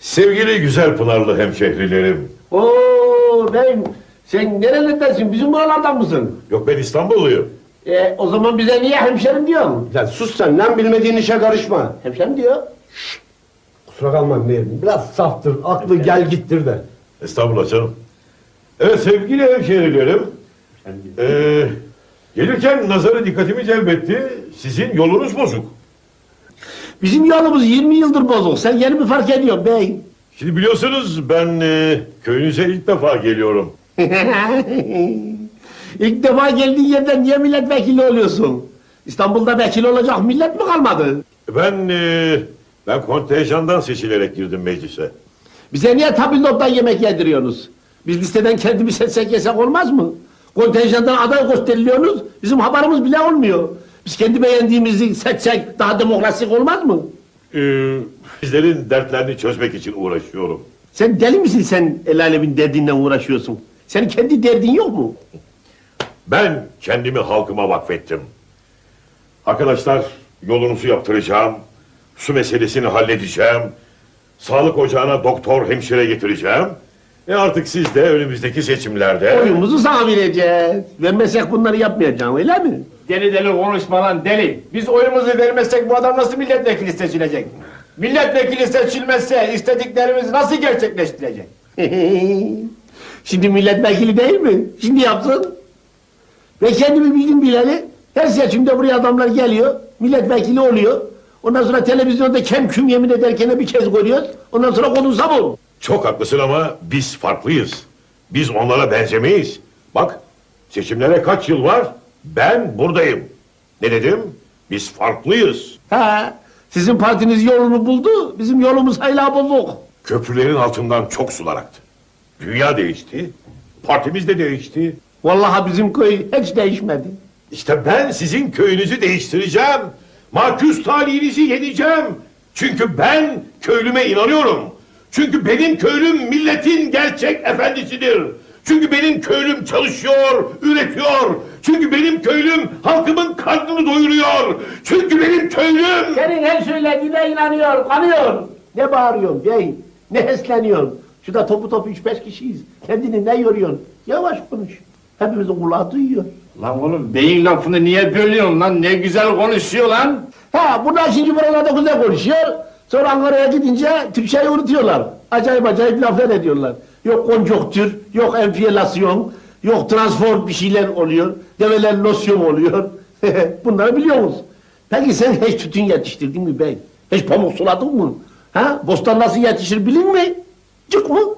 Sevgili güzel Pınarlı hemşehrilerim. Oo beyim, sen nerelerdensin? Bizim buralardan mısın? Yok, ben İstanbulluyum. O zaman bize niye hemşerim diyorsun? Lan sus sen, lan bilmediğin işe karışma. Hemşerim diyor. Kusura kalma Mehmet, biraz saftır, aklı gel gittir de. Estağfurullah canım. Evet sevgili hemşehrilerim. Gelirken nazarı dikkatimi celbetti. Sizin yolunuz bozuk. Bizim yolumuz 20 yıldır bozuk. Sen yeni mi fark ediyorsun bey? Şimdi biliyorsunuz ben köyünüze ilk defa geliyorum. İlk defa geldiğin yerden niye milletvekili oluyorsun? İstanbul'da vekil olacak millet mi kalmadı? Ben kontenjandan seçilerek girdim meclise. Bize niye tabildottan yemek yediriyorsunuz? Biz listeden kendimiz seçsek yesek olmaz mı? Kontenjandan aday gösteriliyorsunuz, bizim haberimiz bile olmuyor. Biz kendi beğendiğimizi seçsek daha demokrasik olmaz mı? Bizlerin dertlerini çözmek için uğraşıyorum. Sen deli misin, sen el alemin derdinden uğraşıyorsun? Senin kendi derdin yok mu? Ben kendimi halkıma vakfettim. Arkadaşlar, yolunuzu yaptıracağım. Su meselesini halledeceğim. Sağlık ocağına doktor, hemşire getireceğim. Artık siz de önümüzdeki seçimlerde... Oyumuzu sana vereceğiz. Vermezsek bunları yapmayacağım, öyle mi? Deli deli konuşma lan deli. Biz oyumuzu vermezsek bu adam nasıl milletvekili seçilecek? Milletvekili seçilmezse istediklerimiz nasıl gerçekleştirecek? Şimdi milletvekili değil mi? Şimdi yapsın. Ve kendimi bildim bileli, her seçimde buraya adamlar geliyor, milletvekili oluyor. Ondan sonra televizyonda kem küm yemin ederken bir kez görüyoruz. Ondan sonra konuşsam olur. Çok haklısın ama biz farklıyız. Biz onlara benzemeyiz. Bak, seçimlere kaç yıl var? Ben buradayım. Ne dedim? Biz farklıyız. Ha, sizin partiniz yolunu buldu, bizim yolumuz hala bozuk. Köprülerin altından çok sular aktı. Dünya değişti. Partimiz de değişti. Vallahi bizim köy hiç değişmedi. İşte ben sizin köyünüzü değiştireceğim. Maküs talihinizi yeneceğim. Çünkü ben köylüme inanıyorum. Çünkü benim köylüm milletin gerçek efendisidir. Çünkü benim köylüm çalışıyor, üretiyor. Çünkü benim köylüm halkımın karnını doyuruyor. Çünkü benim köylüm... Senin her söylediğine inanıyor, kanıyor. Ne bağırıyorsun bey, ne hesleniyorsun? Şurada topu 3-5 kişiyiz. Kendini ne yoruyorsun? Yavaş konuş. Hepimizin kulağı duyuyor. Lan oğlum beyin lafını niye bölüyorsun lan? Ne güzel konuşuyor lan. Ha, bunlar şimdi buralarda güzel konuşuyor. Sonra Ankara'ya gidince Türkçeyi unutuyorlar. Acayip laflar ediyorlar. Yok konjonktür, yok enfiyelasyon, yok transform bir şeyler oluyor. Develer losyon oluyor. Bunları biliyor musun? Peki sen hiç tütün yetiştirdin mi bey? Hiç pamuk suladın mı? Ha? Bostan nasıl yetişir bilin mi? Çık mı?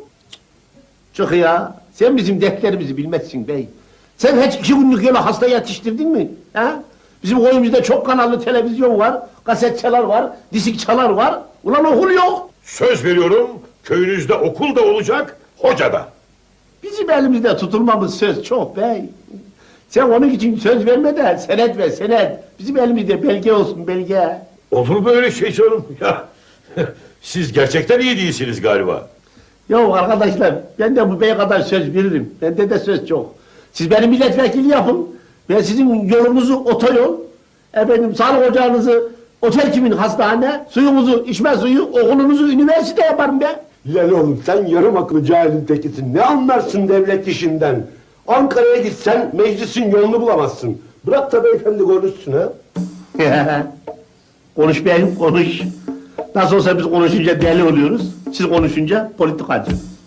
Çık ya. Sen bizim dertlerimizi bilmezsin bey. Sen hiç 2 günlük yola hasta yetiştirdin mi? Ha? Bizim koyumuzda çok kanallı televizyon var, kasetçalar var, disikçalar var. Ulan okul yok. Söz veriyorum, köyünüzde okul da olacak, hoca da. Bizim elimizde tutulmamız söz çok bey. Sen onun için söz verme de senet ver senet. Bizim elimizde belge olsun belge. Olur böyle şey canım ya. Siz gerçekten iyi değilsiniz galiba. Ya arkadaşlar ben de bu bey kadar söz veririm. Bende de söz çok. Siz benim milletvekili yapın. Ben sizin yolunuzu otoyol, efendim sağlık ocağınızı otel kimin hastane, suyumuzu içme suyu, okulunuzu üniversite yaparım ben. Lan oğlum sen yarım akıllı cahilin tekisin, ne anlarsın devlet işinden? Ankara'ya gitsen meclisin yolunu bulamazsın. Bırak da beyefendi konuşsun ha. Konuş beyim konuş. Nasıl olsa biz konuşunca deli oluyoruz. Siz konuşunca politikacı.